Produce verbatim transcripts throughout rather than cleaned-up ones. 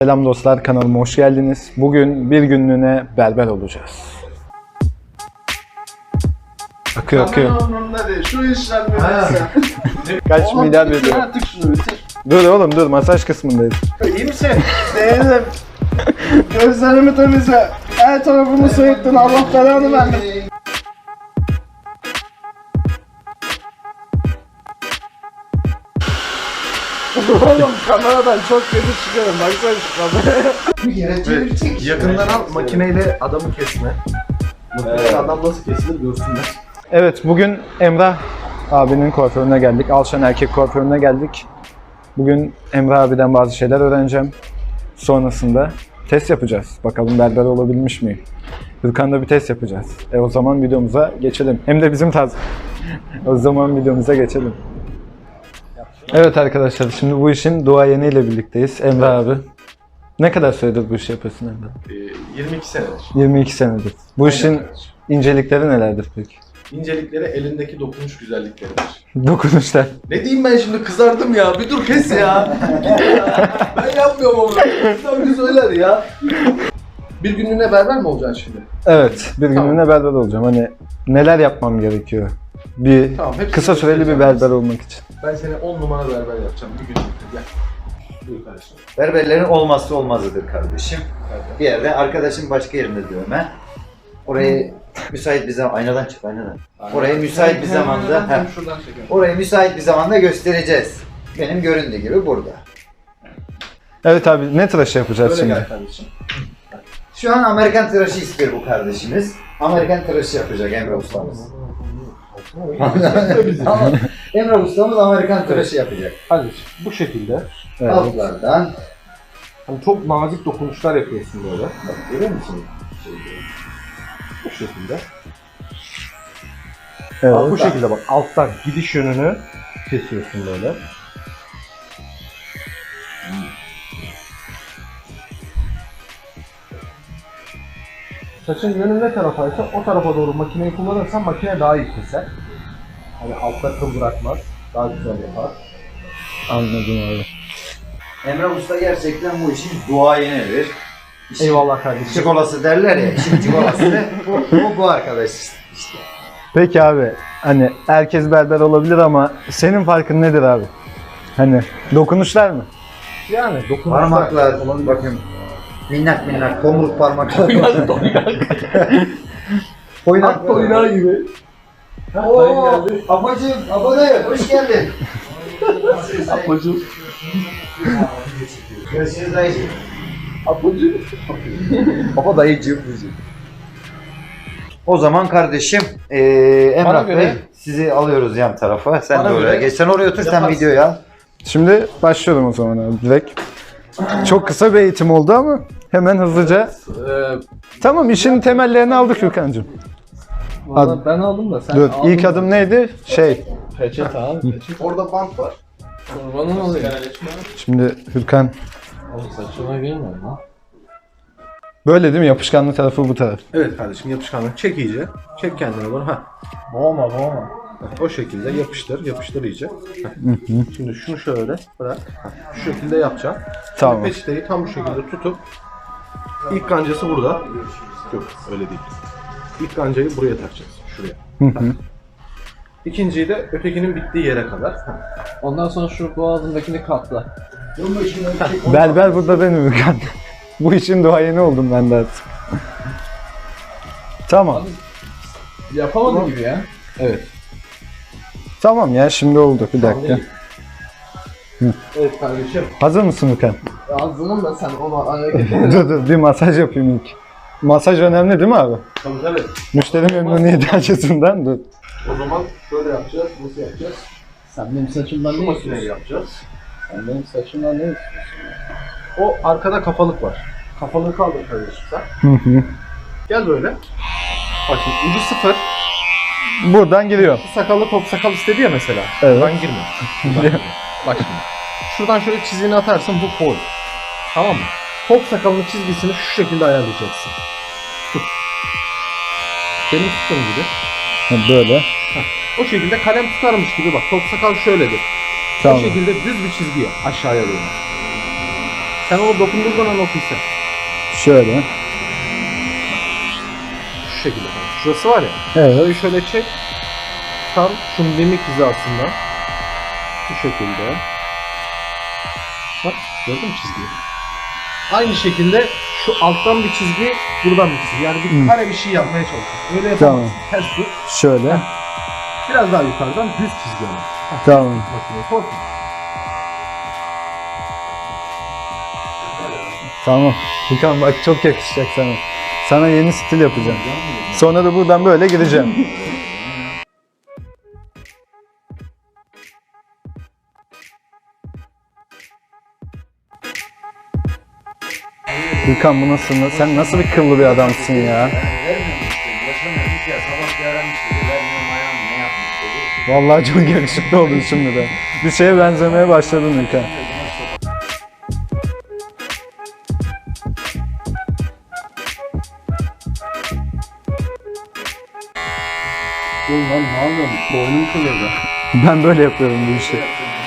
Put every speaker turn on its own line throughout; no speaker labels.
Selam dostlar, kanalıma hoş geldiniz. Bugün bir günlüğüne berber olacağız. Akıyor akıyor.
Şu işler neyse.
Kaç milyar veriyor?
Artık şunu bitir.
Dur oğlum dur, masaj kısmındayız.
İyi misin? Değilim. Gözlerimi temizle. Her tarafımı soyuttun. Allah belanı vermesin. Oğlum kameradan çok kötü çıkıyorum. Baksana şu kameraya.
Yakından al, makineyle adamı kesme. Makineyle adam nasıl kesilir görsünler.
Evet, bugün Emrah abinin kuaförüne geldik. Alşan Erkek kuaförüne geldik. Bugün Emrah abiden bazı şeyler öğreneceğim. Sonrasında test yapacağız. Bakalım berber olabilmiş miyim? Hürkan'da bir test yapacağız. E o zaman videomuza geçelim. Hem de bizim tarz. O zaman videomuza geçelim. Evet arkadaşlar, şimdi bu işin duayeniyle birlikteyiz. Emrah abi. Ne kadar süredir bu işi yapıyorsun Emrah?
Ee, yirmi iki senedir.
yirmi iki senedir. Bu
Aynen
işin
kardeşim.
incelikleri nelerdir peki?
İncelikleri elindeki dokunuş güzellikleridir.
Dokunuşlar.
Ne diyeyim ben şimdi, kızardım ya. Bir dur kes ya. ya. Ben yapmıyorum onu. Sen bir söyler ya. Bir günlüğüne berber mi olacaksın şimdi?
Evet, bir günlüğüne berber olacağım. Hani neler yapmam gerekiyor? Bir
Tamam, hepsini
kısa süreli bir
göstereceğim.
berber olmak için.
Ben seni on numara berber yapacağım. Bir günlükte gel. Buyur kardeşim.
Berberlerin olmazsa olmazıdır kardeşim. Bir yerde arkadaşım başka yerinde dövme. Orayı müsait bir zaman aynadan çık aynadan. Orayı müsait bir zamanda
Hem
heh,
şuradan çekelim.
orayı müsait bir zamanda göstereceğiz. Benim göründüğü gibi burada.
Evet abi, ne tıraşı yapacağız
Öyle
şimdi?
gel kardeşim.
Şu an Amerikan tıraşı istiyor bu kardeşimiz. Amerikan tıraşı yapacak Emre ustamız. Ama Emre ustamız Amerikan tıraşı yapacak.
Kardeşim bu şekilde.
Evet.
Altlardan.
Hani çok nazik dokunuşlar yapıyorsun böyle.
Bak görüyor musun?
Bu şekilde.
Evet.
Bak, bu şekilde bak, alttan gidiş yönünü kesiyorsun böyle. Saçın yönü ne tarafaysa o tarafa doğru makineyi kullanırsan makine daha iyi keser. Hani altta kıl bırakmaz, daha güzel yapar.
Anladım abi.
Emre Usta gerçekten bu işin duayenidir. İşin
Eyvallah kardeşim.
çikolası derler ya, işin çikolası bu, bu, bu arkadaş işte.
Peki abi, hani herkes berber olabilir ama senin farkın nedir abi? Hani dokunuşlar mı?
Yani dokunuşlar.
Parmaklar, bakın minnak minnak tomruk parmaklar. Oynak
At oynağı gibi.
Oo, abacım, abadayım, hoş geldin.
Apacım.
Görüşürüz dayıcım.
Apacım. Baba dayıcım.
O zaman kardeşim, eee Emrah
göre-
Bey sizi alıyoruz yan tarafa. Sen
Bana
de oraya
göre
geç. Sen oraya otur, sen
yaparsın.
videoyu al.
Şimdi başlıyorum o zaman abi direkt. Çok kısa bir eğitim oldu ama hemen hızlıca.
Ee,
Tamam, işin temellerini aldık Hürkan'cığım.
Valla ben aldım da sen
Dur,
aldın
ilk
mı?
adım neydi? Şey,
Peçete abi, peçete. Orada bant var. Kurbanın oluyor.
şimdi Hürkan
Oğlum saçına girme lan.
böyle değil mi? Yapışkanlı tarafı bu taraf.
Evet kardeşim, yapışkanlık çek iyice. Çek kendine doğru. Ha. Boğma boğma. O şekilde yapıştır, yapıştır iyice. Heh. Şimdi şunu şöyle bırak. Heh. Şu şekilde yapacaksın.
Tamam.
Peçeteyi tam bu şekilde tutup ilk kancası burada. Yok öyle değil. İlk kancayı buraya takacağız. Şuraya. Heh. İkinciyi de ötekinin bittiği yere kadar. Heh.
Ondan sonra şu boğazındakini katla.
Berber burada benim Hürkan. Bu işin duayeni oldum ben de artık. Tamam.
Yapamadın gibi ya.
Evet.
Tamam ya, şimdi oldu. Bir dakika.
Evet kardeşim.
Hazır mısın Hürkan?
Ağzının da sen ona hareket
dur dur, bir masaj yapayım ilk. Masaj önemli değil mi abi?
Tabii tabii.
Müşteri memnuniyeti açısından dur.
O zaman şöyle yapacağız. Nasıl yapacağız?
Sen benim saçımdan
Şu
ne
makineyi
istiyorsun?
yapacağız.
Sen benim saçımdan ne istiyorsun?
O arkada kafalık var. Kafalığı kaldır kardeşim sen.
Hı hı.
Gel böyle. Bak şimdi ucu sıfır.
Buradan giriyor.
Sakallı top sakal istedi ya mesela.
Evet.
Buradan girme. Buradan girme. Bak şimdi. Şuradan şöyle çizgini atarsın, bu foil. Tamam mı? Top sakalının çizgisini şu şekilde ayarlayacaksın. Tut. Benim tuttuğum gibi.
Ha, böyle.
O şekilde kalem tutarmış gibi bak. Top sakal şöyledir.
Tamam.
O şekilde düz bir çizgi yap aşağıya doğru. Sen onu dokundurduğun an o hisset.
Şöyle.
Şu şekilde. Şurası var ya.
Evet.
Şurayı şöyle çek. Tam şu mimik hizasında. Bu şekilde. Bak gördün mü çizgiyi? Aynı şekilde şu alttan bir çizgi, buradan bir çizgi. Yani bir kare bir şey yapmaya çalışıyorsun. Öyle yapamazsın.
Tamam.
Ters tut.
Şöyle.
Biraz daha yukarıdan düz çizgi ama.
Tamam.
Makineyi korkma.
Tamam. Furkan bak çok yakışacak sana. Sana yeni stil yapacağım. Sonra da buradan böyle gideceğim. Furkan bu nasıl? Sen nasıl bir kıllı bir adamsın ya?
Vermiyorum işte. Yaşamıyormuş ya. Sabah bir aramış dedi. Vermiyorum ayağım ne yapmış dedi.
Vallahi çok yakışıklı oldun şimdi de. Bir şeye benzemeye başladın Furkan.
Oğlum lan ne yapıyorsun? Boynum kırıldı.
Ben böyle yapıyorum bu işi.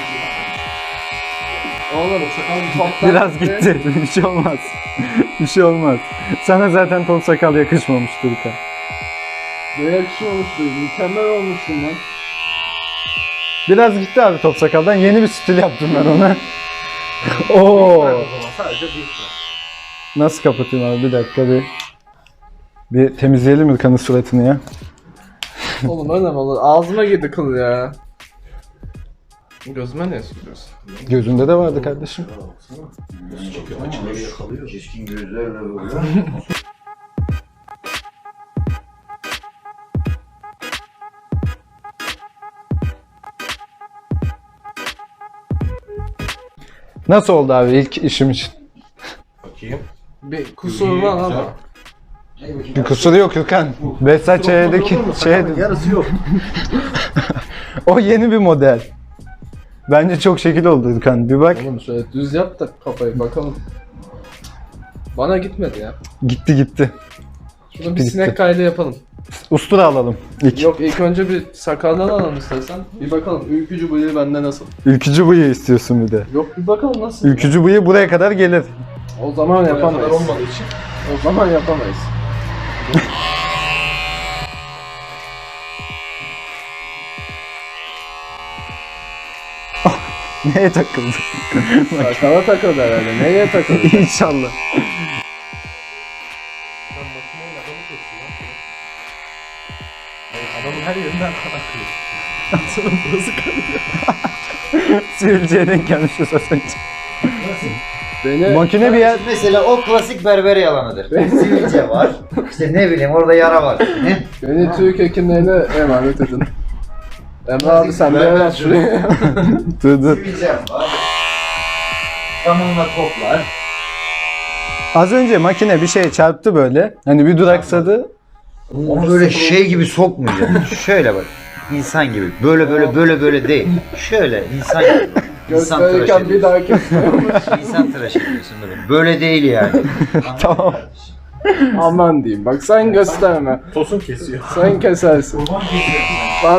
Oğlum sakal toptan
Biraz gitti. Bir şey olmaz. Bir şey olmaz. Sana zaten top sakal yakışmamıştı Furkan.
Ne yakışmamıştı. Mükemmel olmuşsun lan.
Biraz gitti abi top sakaldan. Yeni bir stil yaptım ben ona. Oo.
Bırak o zaman sadece büyük bırak.
Nasıl kapatayım abi? Bir dakika bir. Bir temizleyelim Furkan'ın suratını ya.
Oğlum öyle mi olur? Ağzıma girdi kıl ya.
Gözüme ne sürüyorsun?
Gözünde de vardı kardeşim.
Keskin gözlerle böyle.
Nasıl oldu abi ilk işim için?
Bakayım.
Bir kusur var ama.
Bir kusuru yok Furkan. Behzat Ç'deki şey
Yarısı yok.
o yeni bir model. Bence çok şekil oldu Furkan. Bir bak.
Oğlum şöyle düz yap da kafayı bakalım. Bana gitmedi ya.
Gitti gitti.
Şunu bir
Gitti.
sinek kaydı yapalım.
Ustura alalım ilk.
Yok ilk önce bir sakaldan alalım istersen. Bir bakalım ülkücü bıyığı bende nasıl?
Ülkücü bıyığı istiyorsun bir de.
Yok bir bakalım nasıl?
Ülkücü bıyığı buraya kadar gelir.
O zaman
Yapamayız.
yapamayız.
olmadığı için.
O zaman yapamayız.
Neye takıldı?
Sakala takıldı herhalde. Neye takıldı?
İnşallah.
Ben makineyle adamı kesiyorum. Adamın her yerinden kan akıyor. Sonra burası kanıyor.
Sivilceye denk gelmişiz az önce.
Beni
Makine bir yer...
Mesela o klasik berber yalanıdır. Sivilce var. İşte ne bileyim orada yara var. Ne?
Beni Türk hekimlerine emanet edin. Emre abi sen de hemen şuraya.
Dur dur.
Sivilce var. Zamanla toplar.
Az önce makine bir şeye çarptı böyle. Hani bir duraksadı.
Onu böyle şey gibi sokmayacaksın. Şöyle bak. İnsan gibi. Böyle böyle böyle böyle değil. Şöyle insan gibi. İnsan tıraş
Gösterirken bir
ediyorsun.
daha kesmiyormuş.
İnsan tıraş ediyorsun böyle. Böyle değil yani.
Tamam.
Aman diyeyim bak sen gösterme.
Tosun kesiyor.
Sen kesersin. Ben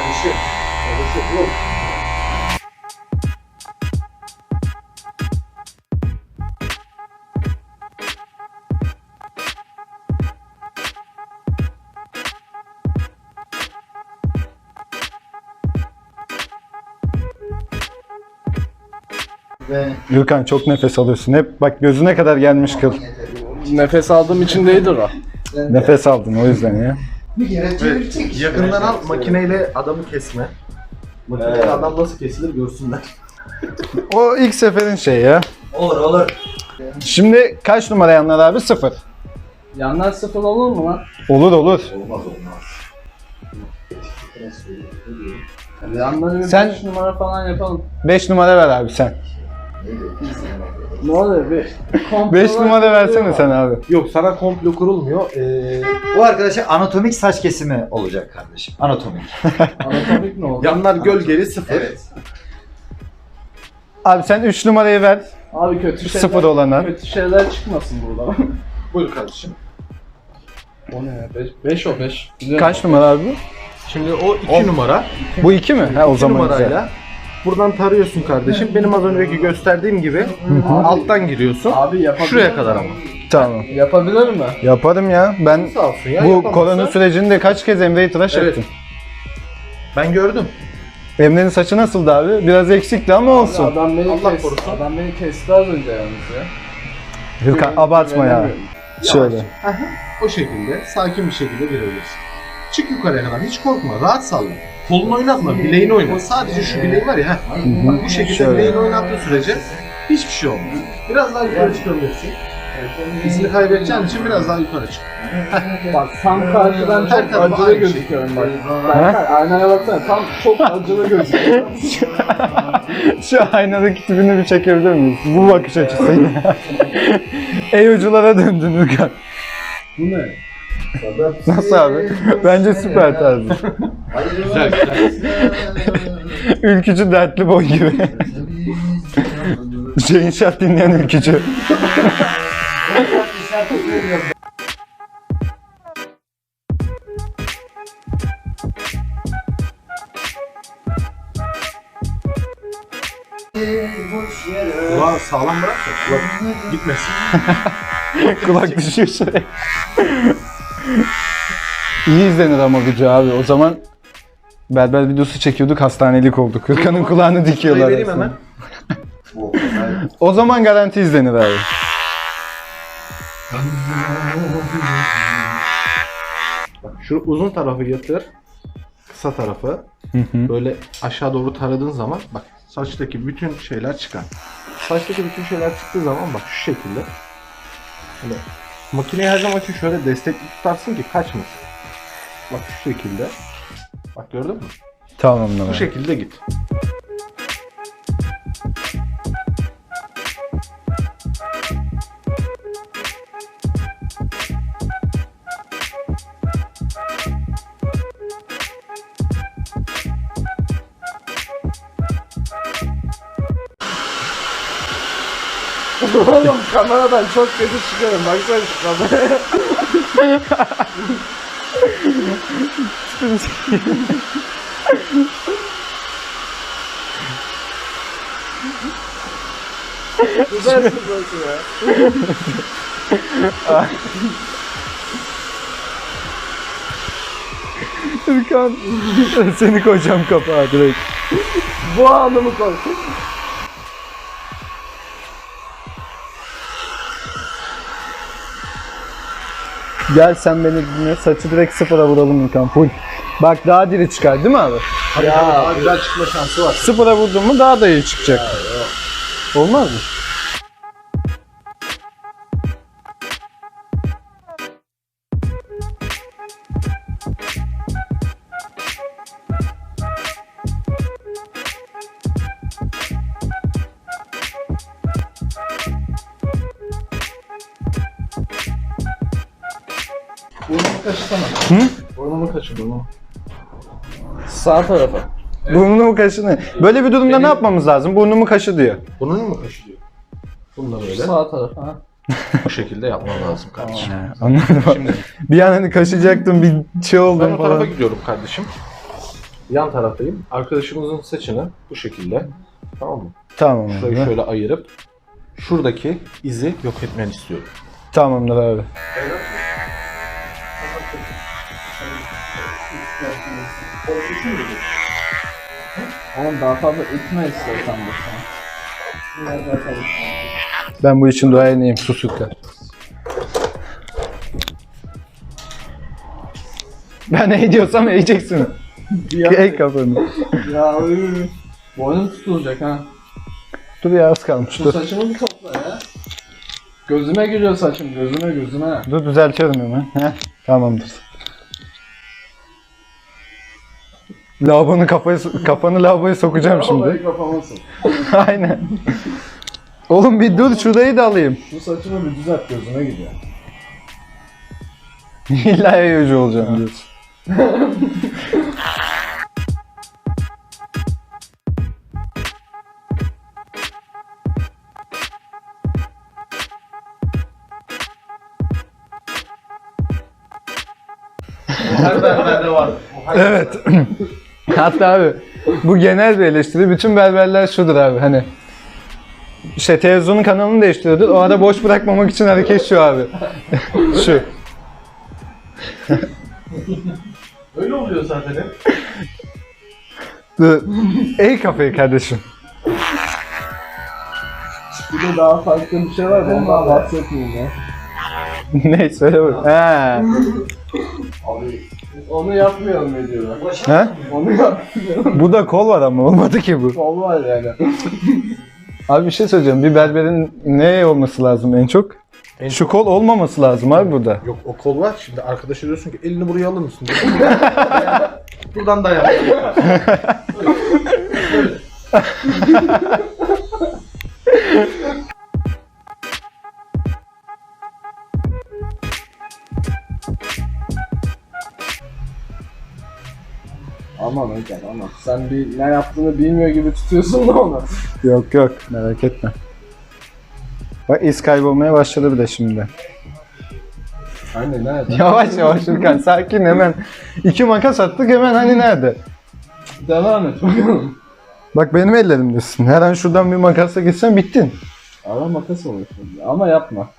Ve
Gürkan çok nefes alıyorsun. Hep bak gözüne kadar gelmiş kıl.
nefes aldığım için değildir o.
Nefes aldın o yüzden ya.
bir kere çevirecek.
Yakından al makineyle adamı kesme. Makineyle adam nasıl kesilir görsünler.
O ilk seferin şey ya.
Olur olur.
Şimdi kaç numara yanlar abi? Sıfır.
Yanlar sıfır olur mu lan?
Olur olur.
Olmaz olmaz.
Yanları bir
Sen-
beş numara falan yapalım.
Beş numara ver abi sen.
Ne oluyor bir?
Beş numara versene sen abi.
Yok sana komplo kurulmuyor. Ee,
Bu arkadaşa anatomik saç kesimi olacak kardeşim. Anatomik.
Anatomik ne oldu?
yanlar gölgeli sıfır.
Evet.
Abi sen üç numarayı ver.
Abi kötü şeyler,
Sıfır olana.
kötü şeyler çıkmasın burada.
Buyur kardeşim.
O ne ya? beş, beş o beş.
Kaç numara abi bu?
Şimdi o iki numara.
Bu iki mi? Ha o
iki
zaman
numarayla
güzel.
Buradan tarıyorsun kardeşim. Benim az önceki gösterdiğim gibi alttan giriyorsun.
Abi yapabilir
Şuraya
mi?
kadar ama.
Tamam.
Yapabilir mi?
Yaparım ya. Ben
Sağ olsun ya.
bu
yapamazsa-
korona sürecinde kaç kez Emre'yi tıraş
Evet.
ettim.
Ben gördüm.
Emre'nin saçı nasıldı abi? Biraz eksikti ama olsun.
Adam beni
Allah
kesti.
korusun.
Adam beni kesti az önce yalnız ya.
Hırkan abartma ya.
Güvenemiyorum.
Şöyle.
Aha, o şekilde sakin bir şekilde girebilirsin. Çık yukarıya kadar, hiç korkma, rahat salla. Kolunu oynatma, bileğini oynat. Sadece şu bileği var ya, heh. Bak bu şekilde
Şöyle.
bileğini oynattığı sürece hiçbir şey olmaz. Biraz daha yukarı çıkabilirsin. İzini kaybedeceğin için biraz daha yukarı çık.
Bak tam karşıdan
Her
çok
tarafa
acılı
aynı
gözüküyorum bak. Berkay aynaya baksana tam çok acılı gözüküyor.
Şu aynadaki tipini bir çekebilir miyiz? Bu bakış açısıyla. Ey uculara döndün Hırkan.
Bu ne?
Nasıl abi? Bence süper tarzı.
Güzel güzel.
Ülkücü dertli boy gibi. Şey inşaat dinleyen ülkücü.
Kulağı sağlam bırak da kulak gitmesin.
Kulak düşüyor şuraya. İyi izlenir ama gücü abi. O zaman berber videosu çekiyorduk, hastanelik olduk. Hırkanın kulağını dikiyorlar.
Şurayı vereyim
aslında.
hemen.
O zaman garanti izlenir abi.
Bak şu uzun tarafı yatır. Kısa tarafı. Böyle aşağı doğru taradığın zaman bak saçtaki bütün şeyler çıkar. Saçtaki bütün şeyler çıktığı zaman bak şu şekilde. Böyle makineyi her zaman için şöyle destekli tutarsın ki kaçmasın. Bak şu şekilde. Bak gördün mü?
Tamamdır
Bu
abi.
şekilde git.
Oğlum kameradan çok kötü çıkıyorum. Baksana şu kameraya. Güzel sıkıntı ya.
Hırkan. Seni koyacağım kapağa direkt.
Bu anımı koy.
Gel sen beni dinle. Saçı direkt sıfıra vuralım Hırkan. Full. Bak daha diri çıkar değil mi abi?
Tabii
Ya,
tabii daha güzel çıkma şansı var.
Sıfıra vurdun mu daha da iyi çıkacak. Olmaz mı?
Burnumu kaşısana.
Hı?
Burnumu kaşı burnumu.
Sağ tarafa.
Burnumu kaşını. Böyle bir durumda ne yapmamız lazım? Burnumu kaşı diyor.
Burnunu mu kaşıyor? Bunu da böyle
Sağ tarafa. Ha.
bu şekilde yapman lazım kardeşim.
Anladım.
Şimdi
Bir an hani kaşıyacaktım bir şey
ben
oldum
o tarafa
falan.
gidiyorum kardeşim. Yan taraftayım. Arkadaşımızın saçını bu şekilde, tamam mı?
Tamam
Şurayı
abi.
şöyle ayırıp şuradaki izi yok etmeni istiyorum.
Tamamdır abi.
Oğlum daha fazla itme istiyorsan bu sana.
Ben bu işin duayeniyim. Susuklar. Ben ne diyorsam eğeceksin. Ey kafanı.
Ya ıı. Boynum tutulacak ha.
Dur ya az kalmış.
Şu
Dur.
saçımı bir topla ya. Gözüme giriyor saçım, gözüme gözüme.
Dur düzeltiyorum hemen. Heh, tamamdır. Lavabonu kafayı, kafanı lavaboya sokacağım şimdi.
Olayı kapamasın.
Aynen. Oğlum bir dur şurayı da alayım.
Şu saçımı bir düzelt, gözüme gidiyor.
İlla yayıcı olacağım diyorsun.
Her berberde var.
Evet. Hatta abi Bu genel bir eleştiri. Bütün berberler şudur abi hani. İşte televizyonun kanalını değiştiriyordur. O ara boş bırakmamak için hareket şu abi. Şu.
Öyle oluyor zaten hep.
Dur. Ey kafayı kardeşim.
Bir de daha farklı bir şey var da ondan bahsetmeyeyim ya.
Ne söyle bak. Ha.
Onu yapmayalım ne diyorlar.
Ha?
Onu yapmayalım.
Bu da kol var ama olmadı ki bu.
Kol var yani.
Abi bir şey söyleyeceğim. Bir berberin ne olması lazım en çok?
En
Şu kol olmaması lazım abi burada.
Yok o kol var. Şimdi arkadaşa diyorsun ki elini buraya alır mısın? Buradan dayan.
Aman hocam aman. Sen bir ne yaptığını bilmiyor gibi tutuyorsun da onu.
Yok yok merak etme. Bak iz kaybolmaya başladı bir de şimdi.
Hani nerede?
Yavaş yavaş Ülkan sakin hemen. İki makas attık hemen hani nerede?
Devam et bakalım.
Bak benim ellerimdesin. Her an şuradan bir makasla gitsen bittin.
Ara makas olur şimdi ama yapma.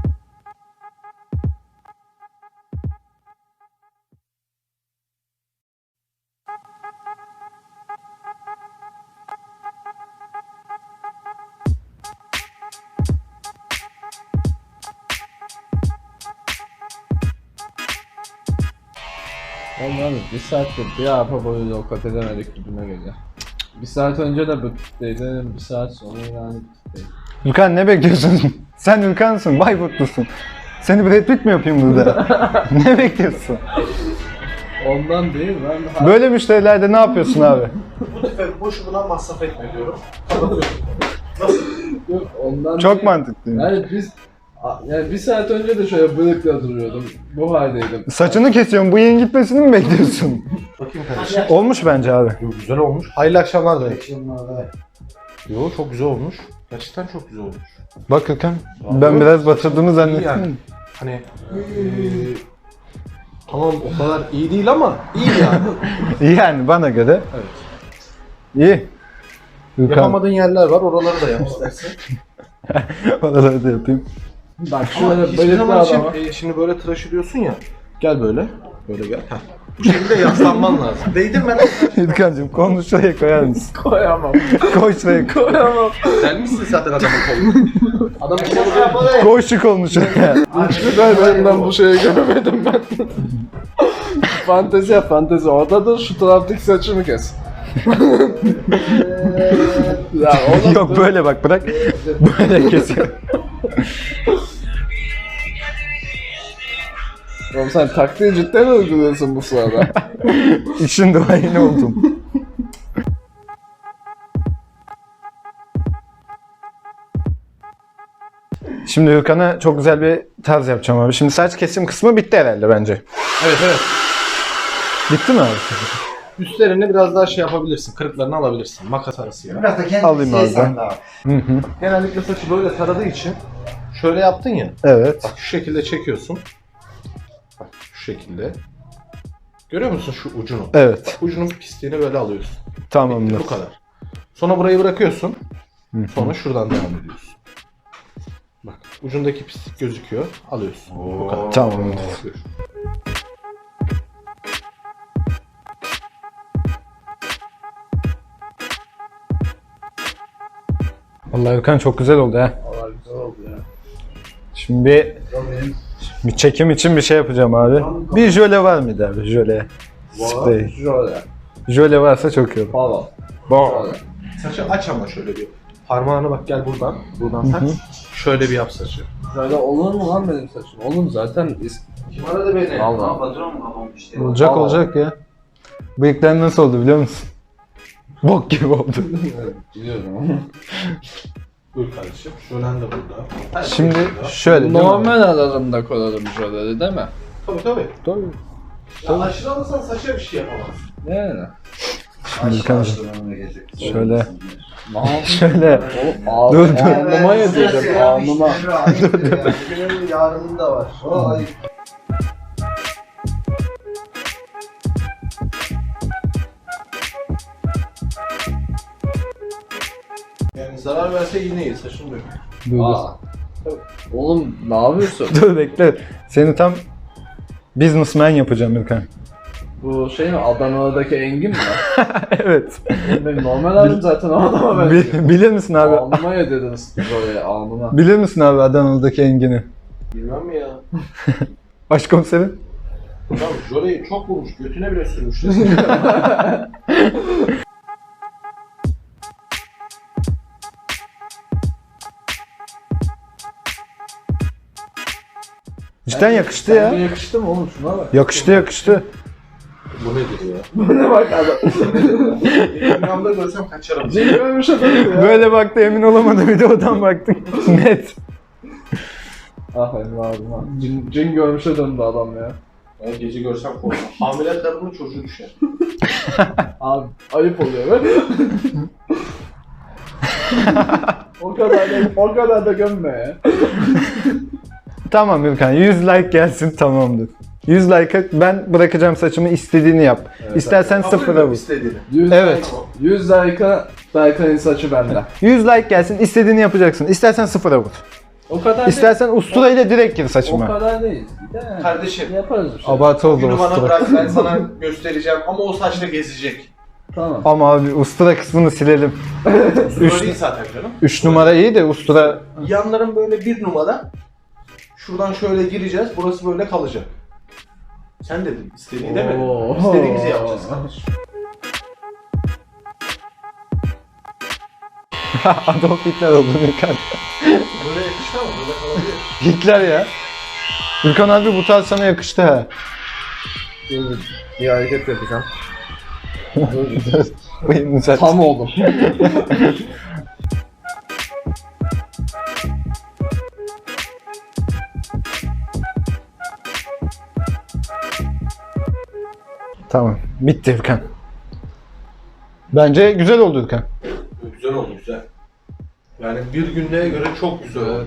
Oğlum bir saattir bir arpa boyu yol kat edemedik gibime geliyor. Bir saat önce de bütükteydim, bir saat sonra yani bütükteydim.
Ülkan ne bekliyorsun? Sen Ülkan'sın, Bayburtlusun. Seni Brad Pitt mi yapayım burada? Ne bekliyorsun?
Ondan değil ben
Böyle müşterilerde ne yapıyorsun abi?
Bu sefer boşuna masraf etme diyorum.
Yok, ondan
Çok
değil.
mantıklı.
Yani biz a- yani bir saat önce de şöyle bıyıkla duruyordum. Bu haldeydim.
Saçını kesiyorsun, bu yayın gitmesini mi bekliyorsun?
Bakayım kardeşim.
Olmuş bence abi.
Yo, güzel olmuş. Hayırlı akşamlar demek. Yo çok güzel olmuş. Gerçekten çok güzel olmuş.
Bak Ülkan, ben biraz batırdığını
İyi
zannettim.
yani. Hani eee tamam o kadar iyi değil ama iyi yani.
Yani bana göre
Evet.
iyi. Ülkan,
Yapamadığın yerler var, oraları da yap istersen.
oraları da yapayım.
Bak
Ama
şöyle
hiçbir
bıyıklı
zaman için,
adama.
e, şimdi böyle tıraş ediyorsun ya. Gel böyle. Böyle gel. Heh. Bu şekilde yaslanman lazım. Değdirme lan.
Ülkan'cığım kolunu şuraya koyar mısın?
Koyamam.
Koy şuraya koy.
Koyamam.
Gelmişsin zaten adamın kolunu. Adamın kolunu.
Koy şu kolunu şuraya.
Hiçbir berberinden bu şeyi görmedim ben. Fantezi yap fantezi. Orada da şu taraftaki saçımı kes. Ya oğlum
Yok böyle bak bırak. Böyle kesiyor.
Oğlum sen taktiği cidden uyguluyorsun bu sırada.
İşin duayeni oldum. Şimdi Hürkan'a çok güzel bir tarz yapacağım abi. Şimdi saç kesim kısmı bitti herhalde bence.
Evet evet.
Bitti mi abi?
Üstlerini biraz daha şey yapabilirsin. Kırıklarını alabilirsin. Makas arası ya.
Biraz da kendi
Alayım
şey
abi.
sandı abi.
Hı hı.
Genellikle saçı böyle taradığı için şöyle yaptın ya.
Evet.
Bak şu şekilde çekiyorsun. Bak şu şekilde. Görüyor musun şu ucunu?
Evet.
Bak, ucunun pisliğini böyle alıyorsun.
Tamamdır.
Bu kadar. Sonra burayı bırakıyorsun. Sonra şuradan devam ediyorsun. Bak ucundaki pislik gözüküyor. Alıyorsun. Bu kadar.
Tamamdır.
Buyur.
Vallahi Hürkan çok güzel oldu ha.
Valla güzel oldu ya.
Şimdi bir, bir çekim için bir şey yapacağım abi. Bir jöle var mıydı abi? Jöle. Sprey.
Şöyle.
Jöle varsa çok iyi olur.
Falan.
Bon.
Şöyle.
Saçı aç ama şöyle bir. Parmağını bak gel buradan. Buradan tak. Şöyle bir yap saçı.
Şöyle olur mu lan benim saçım? Oğlum zaten is-
Kim aradı beni?
Valla.
Olacak
Aa.
olacak ya. Bıyıklar nasıl oldu biliyor musun? Bok gibi oldu.
Biliyorum.
Buyur kardeşim. Şölen de burada. Her şey
Şimdi
burada.
şöyle değil mi abi?
Normal aralarında koyalım şöyle değil mi?
Tabii tabii.
Tabii.
Ya aşırı alırsan saça bir şey yapamazsın.
Yani.
Şimdi Hürkan'cığım. Şöyle.
Ne
Şöyle.
Oğlum
Dur, dur.
alnıma yedireceğim alnıma.
Benim yarının da var. Vay.
Zarar verse yine iyi, saçını dök.
Dur dur.
Aa. Oğlum ne yapıyorsun?
Dur bekle. Seni tam businessman yapacağım Ürkan.
Bu şey mi? Adana'daki Engin mi?
Evet.
Benim normal halim zaten o adama benziyor.
Bil- bilir misin abi?
Alnıma yedirdiniz oraya alnıma.
Bilir misin abi Adanalı'daki Engin'i?
Bilmem mi ya?
Başkomiserim.
Tamam, Jole'yi çok vurmuş, götüne bile sürmüş.
Cidden yakıştı
Sence
ya.
yakıştı mı oğlum şuna bak.
Yakıştı yakıştı.
Bu nedir ya?
Bu ne bak adam.
Instagram'da görsem kaçarım.
Cin görmüş adam ya.
Böyle baktı emin olamadı videodan baktık. Net.
Ah Emre abim ha. Cin, cin görmüşe döndü adam ya.
Ben gece görsem korkmam. Hamile kadının çocuğu düşer.
Abi ayıp oluyor be. o kadar da, o kadar da gömme ya.
Tamam Ürkan yüz like gelsin tamamdır. yüz like'a ben bırakacağım saçımı istediğini yap. İstersen sıfıra vur.
istediğini.
yüz
Evet.
like- yüz like'a Berkay'ın saçı bende.
yüz like gelsin istediğini yapacaksın. İstersen sıfıra vur.
O kadar
İstersen ustura ile direkt gir
değil. O
saçıma.
kadar değil. Bir de
Kardeşim.
yaparız bir şey.
Abartı oldu
Günü bana
ustura.
bırak, ben sana göstereceğim ama o saçla gezecek.
Tamam.
Ama abi ustura kısmını silelim.
Üç değil zaten canım.
üç numara iyi de ustura...
Yanların böyle bir numara. Şuradan şöyle gireceğiz, burası böyle kalacak. Sen dedin, istediğini demedin.
Oo.
İstediğimizi yapacağız kardeşim.
Adolf Hitler oldu Ürkan.
Böyle yakıştı ama böyle kalabilir.
Hitler ya. Ürkan abi bu tarz sana yakıştı ha.
Bir hareket yapacağım.
Bıyığını düzelt.
Tam oldum.
Tamam. Bitti Ürkan. Bence güzel oldu Ürkan.
Güzel oldu, güzel. Yani bir günlüğe göre çok güzel oldu.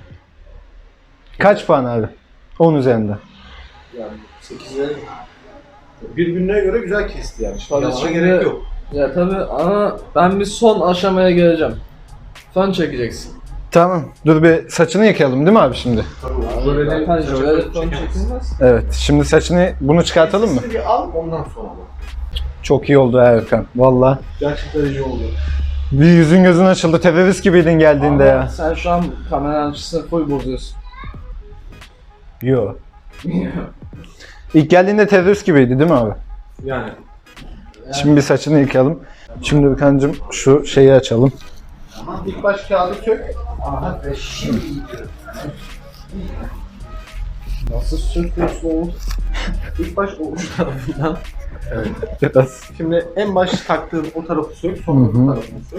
Kaç puan abi? on üzerinden.
Yani sekize... Bir günlüğe göre güzel kesti yani.
Tabii
Yalana
şimdi-
gerek yok.
Ya tabii ama ben bir son aşamaya geleceğim. Fön çekeceksin.
Tamam. Dur bir saçını yıkayalım değil mi abi şimdi?
Jöle'de
Zaten
saça
jöle
fön
fön
çekemez.
çekilmez.
Evet. Şimdi saçını bunu çıkartalım mı?
Sesini bir al, ondan sonra bak.
Çok iyi oldu ha Ürkan. Valla.
Gerçekten iyi oldu.
Bir yüzün gözün açıldı. Terörist gibiydin geldiğinde
Ama
ya.
sen şu an kameranın açısını full bozuyorsun.
Yo. İlk geldiğinde terörist gibiydi değil mi abi?
Yani.
Şimdi bir saçını yıkayalım. Şimdi Ürkan'cığım şu şeyi açalım.
İlk baş kağıdı sök.
Aha ve şimdi gidiyorum.
Nasıl sürtüyorsun oğlum?
İlk baş o uç tarafından.
Biraz.
Şimdi en baş taktığın o tarafı sök, sonra
Hı hı.
bu tarafını sök.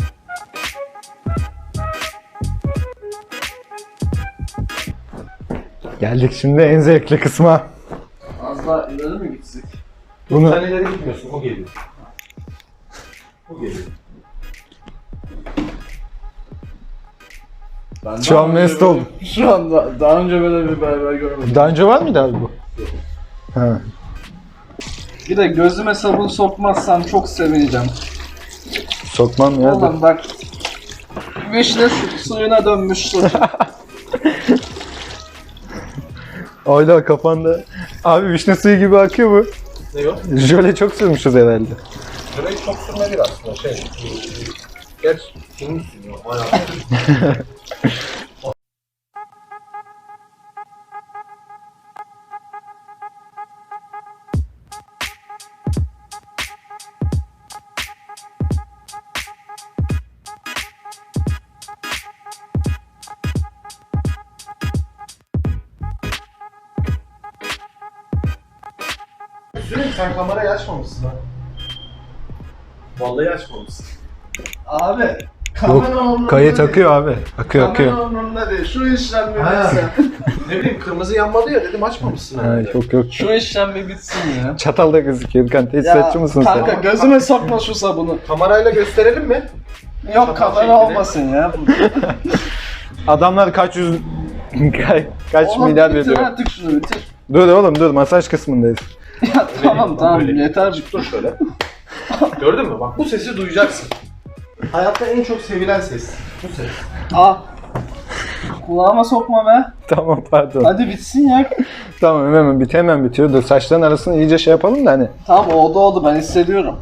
Geldik şimdi en zevkli kısma.
Az daha ileri mi gitsek?
Bunu
Sen ileri gitmiyorsun, o geliyor. O geliyor.
Ben
Şu
daha
an
önce
mest
böyle-
oldum.
Şu anda daha önce böyle bir berber görmedim.
daha önce var mıydı abi bu? Ha.
Bir de gözüme sabun sokmazsam çok sevineceğim.
Sokmam ya. dur.
Oğlum bak. Vişne su- suyuna dönmüş saçım.
Ayla kafanda. Abi vişne suyu gibi akıyor bu.
Ne o?
Jöle çok sürmüşüz herhalde.
Şurayı çok sürme bir aslında şey. Gerçi kimin sürüyor? Bayağı. Sürekli sen kamerayı açmamışsın ha. Vallahi açmamışsın.
Abi kamera umurumda
Kayıt
değil.
akıyor abi. Akıyor akıyor.
Kamera umurumda değil. Şu işlem bir
Ha.
bitsin.
Ne bileyim kırmızı yanmadı ya dedim açmamışsın.
Ha,
herhalde.
çok yok.
Şu işlem bir bitsin ya.
Çatal da gözüküyor. Ürkan tesisatçı mısın
kanka
sen?
gözüme sokma şu sabunu.
Kamerayla gösterelim mi?
Yok kamera
şeklini.
olmasın ya.
Adamlar kaç yüz... Ka- kaç
Oğlum
milyar
bitir
veriyor.
artık şunu bitir.
Dur oğlum dur masaj kısmındayız.
Ya tamam tamam
Böyle.
yeter.
Dur şöyle. Gördün mü? Bak bu sesi duyacaksın. Hayatta en çok sevilen ses. Bu ses.
Ah. Kulağıma sokma be.
Tamam pardon.
Hadi bitsin ya.
Tamam hemen bit hemen bitiyor. Dur saçların arasını iyice şey yapalım da hani.
Tamam oldu oldu ben hissediyorum.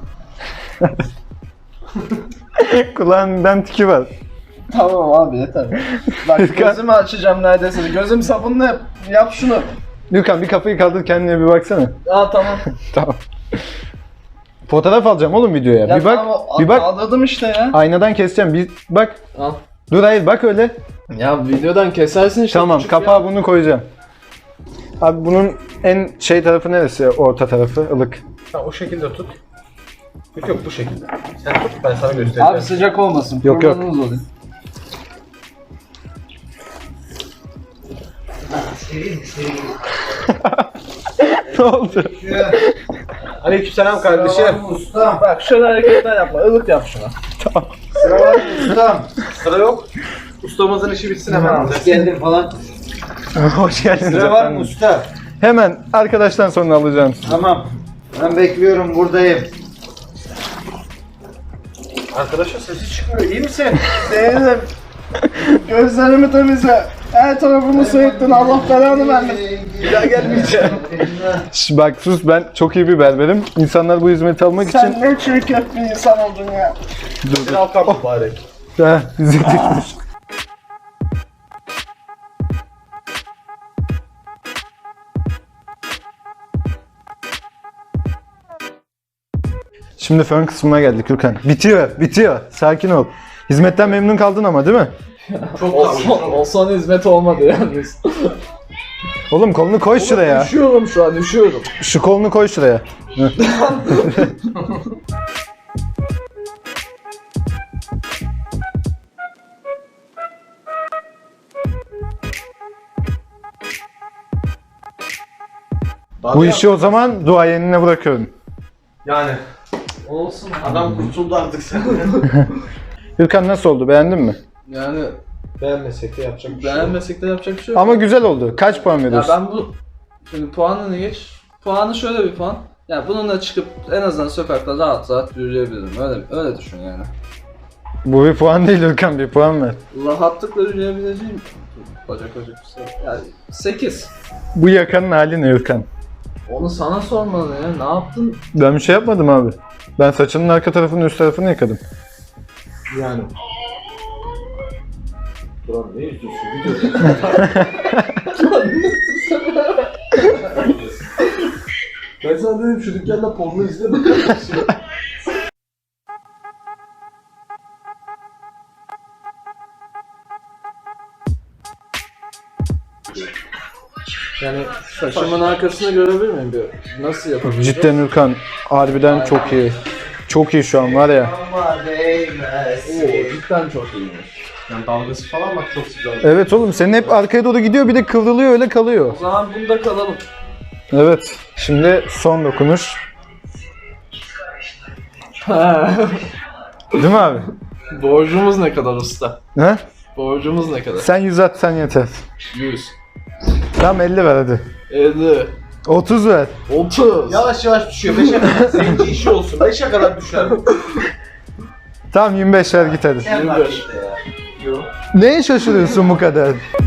Kulağından tiki var.
Tamam abi yeter. Bak gözümü açacağım neredeyse. Gözüm sabunla yap. Yap şunu.
Gürkan bir kafayı kaldır kendine bir baksana.
Aa tamam.
Tamam. Fotoğraf alacağım oğlum videoya.
Ya
bir bak.
tamam,
bir bak.
Kaldırdım işte ya.
Aynadan keseceğim. Bir bak.
Al.
Dur hayır bak öyle.
Ya videodan kesersin işte.
Tamam
küçük
kapağı
ya.
bunu koyacağım. Abi bunun en şey tarafı neresi? Orta tarafı ılık.
Ha, o şekilde tut. Yok yok bu şekilde. Sen tut ben sana göstereceğim.
Abi sıcak olmasın.
Yok, yok.
Kurbanınız olayım.
Ne oldu?
Aleykümselam kardeşim.
Sıra var mı ustam?
Bak şöyle hareketler yapma. Ilık yap şuna.
Sıra var mı ustam?
Sıra yok. Ustamızın işi bitsin hemen alacağız.
Hoş geldin falan.
Hoş geldiniz
Sıra var
efendim.
mı usta?
Hemen arkadaştan sonra alacağım.
Tamam. Ben bekliyorum buradayım.
Arkadaşın sesi çıkmıyor. İyi misin?
Değilim. Gözlerimi temizle. Her tarafımı soyuttun. Allah belanı vermesin. Bir daha gelmeyeceğim.
Şş, bak sus ben çok iyi bir berberim. İnsanlar bu hizmeti almak
Sen
için...
ne çirkef bir insan oldun ya.
Bir Alkan mübarek.
Ha, bizi tutmuş. Şimdi fön kısmına geldik Gürkan. Bitiyor, bitiyor. Sakin ol. Hizmetten memnun kaldın ama değil mi?
Çok
O son, o son hizmet olmadı yalnız.
Oğlum kolunu koy şuraya.
Üşüyorum şu an, üşüyorum.
Şu kolunu koy şuraya. Hı. Bu işi o zaman duayenine bırakıyorum.
Yani
Olsun.
adam kurtuldu artık senden.
Gürkan nasıl oldu? Beğendin mi?
Yani
Beğenmesek de yapacak bir şey yok.
beğenmesek de yapacak bir şey yok.
Ama güzel oldu. Kaç puan
Ya
veriyorsun?
ben bu şimdi puanını geç. Puanı şöyle bir puan. Ya bununla çıkıp en azından sokakta rahat rahat yürüyebilirim. Öyle öyle düşün yani.
Bu bir puan değil Gürkan, bir puan ver.
Rahatlıkla yürüyebileceğim bacak bacak bir şey. Yani sekiz.
Bu yakanın hali ne Gürkan?
Onu sana sormalı ya. Ne yaptın?
Ben bir şey yapmadım abi. Ben saçının arka tarafını üst tarafını yıkadım.
Yani. Duran ne izliyorsun? Ben sana dedim şu dükkanda porno izleme.
Yani saçımın arkasını görebilir miyim bir? Nasıl yapabilirim?
Cidden Gürkan harbiden çok iyi. Çok iyi şu an var ya.
Ama değmez.
Oo, cidden çok iyiymiş.
Yani dalgası falan bak çok güzel.
Evet oğlum senin hep arkaya doğru gidiyor bir de kıvrılıyor öyle kalıyor.
O zaman bunda kalalım.
Evet. Şimdi son dokunuş. Değil mi abi?
Borcumuz ne kadar usta?
He?
Borcumuz ne kadar?
Sen yüz atsan yeter.
yüz.
Tamam elli ver hadi.
elli.
otuz ver.
otuz.
Yavaş yavaş düşüyor. beşe kadar zenci işi olsun. beşe kadar düşer.
Tamam yirmi beş ver git hadi.
Sen bak işte ya. Yok.
Neye şaşırıyorsun bu kadar?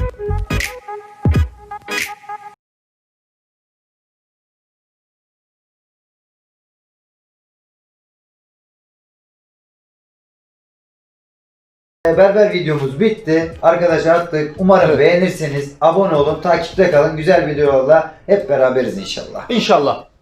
Berber videomuz bitti. Arkadaşlar attık. Umarım beğenirsiniz. Abone olun, takipte kalın. Güzel videolarla hep beraberiz inşallah.
İnşallah.